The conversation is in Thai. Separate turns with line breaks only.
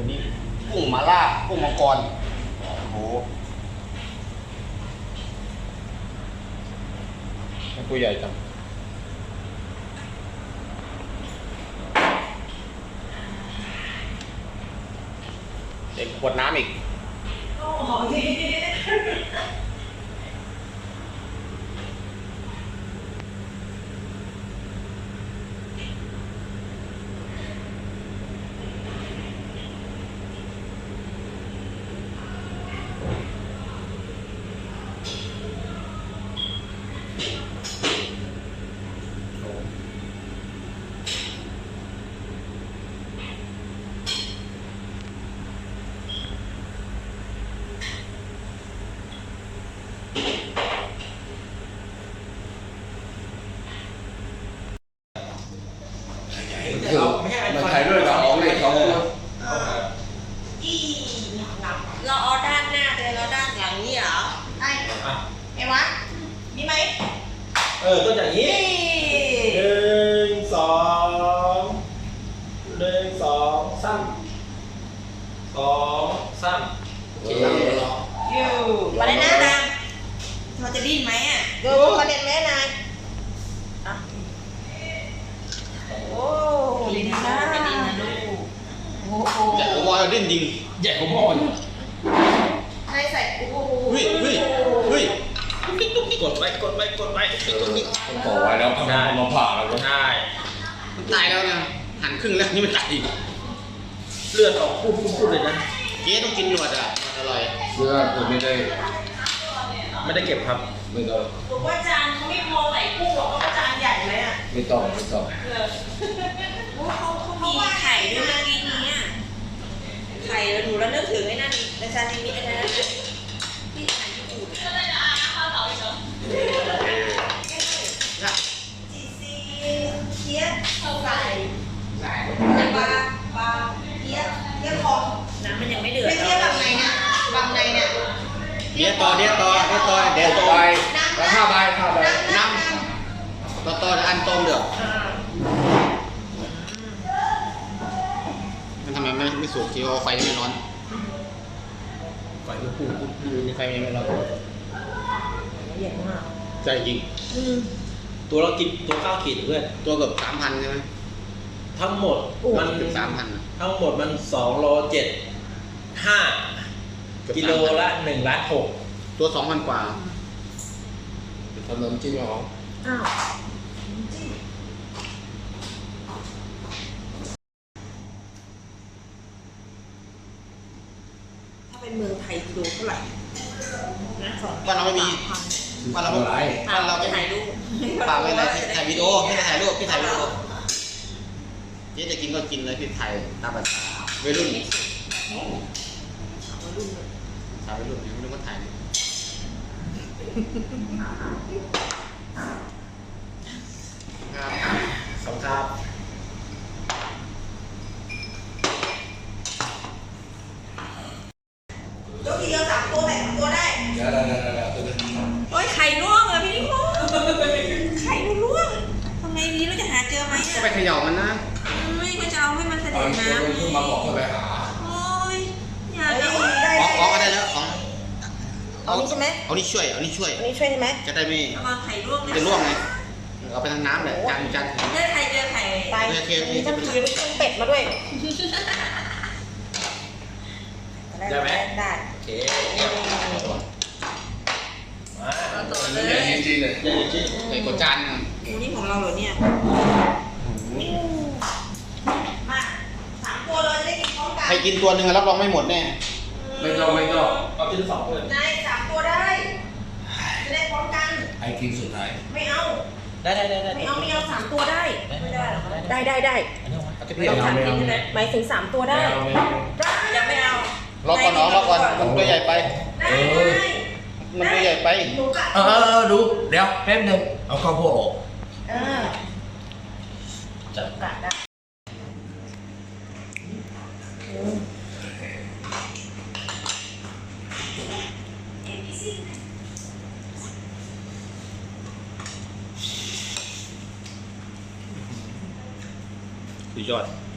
นี้กุ้งมาล่ากุ้งมังกรโอ้โหตัวใหญ่จังเด็กขวดน้ำอีก
โอ้โห
คือมันใช้ด้วยกับของเลยเขา
เราเอาด้านหน้าเลยแล้วด้านหลังนี่เหรอไอ้วะนี่ไหม
ก็อย่างนี้หนึ่งสองซ้ำสองซ้ำ
อยู่มาเลยนะนางเราจะดิ้นไหมอ่ะดูประเด็นแม่นายโอ้ดิ้นนะดิ้นนะลูกโอ้โห
ใหญ่กว่าบอลดิ้นจริง
ใหญ่กว่าบอล
ให้ใส่โอ้โห
เฮ้ย
กดไป
มันก่อไว้แล้วได้มาผ่าแล้วก็
ได้
มันตายแล้วนะหันครึ่งแล้วนี่มันตายอีก
เลือดออกพุ่งเลยนะ
เจ๊ต้องกินหนวดอ่ะอร่อย
เลือดผมไม่ได้
เก็บครับ
ไม่ต้อง
ผมว่าจานเขาไม่พอใส่กุ้งหรอกเพราะจานใหญ่ไหมอ่ะ
ไม่ต้อง
เขามีไข่ด้วยเมื่อกี้นี้ไข่หนูแล้วนึกถึงไอ้นั่นในซาซิมิอะไรนะที่อาหารญี่ปุ่นจีซีเทียบเข้าไก่ปลาเทียบคอน้ำมันยังไม่เดือดเทียบแบบไหนเนี่ยแบบไหนเนี่ย
เดี๋ยวต่อแล้ว5 ใบน้ำต่ออันต้มเดือดมันทำไมไม่สุกทีว่าไฟไม่ร้อน
ไฟมันพุ่ง
ไฟไม่ร้อน
เย็นมาก
ใจจริง
ตัวเรากินตัวข้าวขีดเพื่อน
ตัวเกือบ 3,000 ใช่ไหม
ทั้งหมด
มันเกือบ 3,000
ทั้งหมดมัน2 โล 7 5กิโลละ1 ล้าน 6
ตัว 2,000 กว่า
ทำน้ำจิ้มหรอ
ถ้าเป็นเมืองไทยกิโลเท่าไหร่นะ
บ้านเราไม่มีบ้านเราไม่
ถ่ายรูป
ฝากไว้เลยถ่ายวิดีโอพี่ถ่ายรูปพี่ถ่ายวิดีโอเจ๊จะกินก็กินเลยพี่ถ่ายตามภาษาวัยรุ่นสาววัยรุ่นไม่รู้ว่าถ่าย
สองครับ
ยกทีเดียว3 ตัวแบบ3 ตัวได้
เดี๋ยว
โอ้ยไข่ร่วงเหรอพี่นิโคไข่ร่วงทำไงดีเราจะหาเจอไหม
ก็ไปเขย่ามันนะ
ไม่ก็จะเอาให้มันเสด็จน้ำ
นี่มาบอกไปหา
โอ้ยอยากเอา
อ๋อก็ได้แล้ว
เอานี่ใช่ไหม
เอานี่ช่วย
ใช่ไหม
จะได้ไม่
เอาไข่ร่วง
จะร่วงไงเอาไปทางน้ำเลยจาน
เจอไข่
ตายโอเค
ต้องถือเครื่องเป็ดมาด้วย
ได้ไหม
ได้
โอเค
มาต่อเลย
ใหญ่จริงเลย
ใส่กดจาน
นี่ของเราเหรอเนี่ยมา3 ตัวเลยจะได้กินพร้อมกัน
ใครกินตัวหนึ่งรับรองไม่หมดแน่
ไม่ต้อง
เอาทีละ2 เลย
นาย3 ตัวได้จะได้พร้อมกัน
ไอ้กินสุดท้าย
ไม่เอา
ได้
ไม่เอา3 ตัวได้ไม่ได้หรอได้
พี่เอา
3 กินใช่ไหมหมายถึง3 ตัวได้ยังไม่เอา
รอก่อนมันตัวใหญ่ไปมันตัวใหญ่ไป
ดูเดี๋ยวแป๊บนึงเอาข้าวโพดออก
จับกัดได้
สุดยอด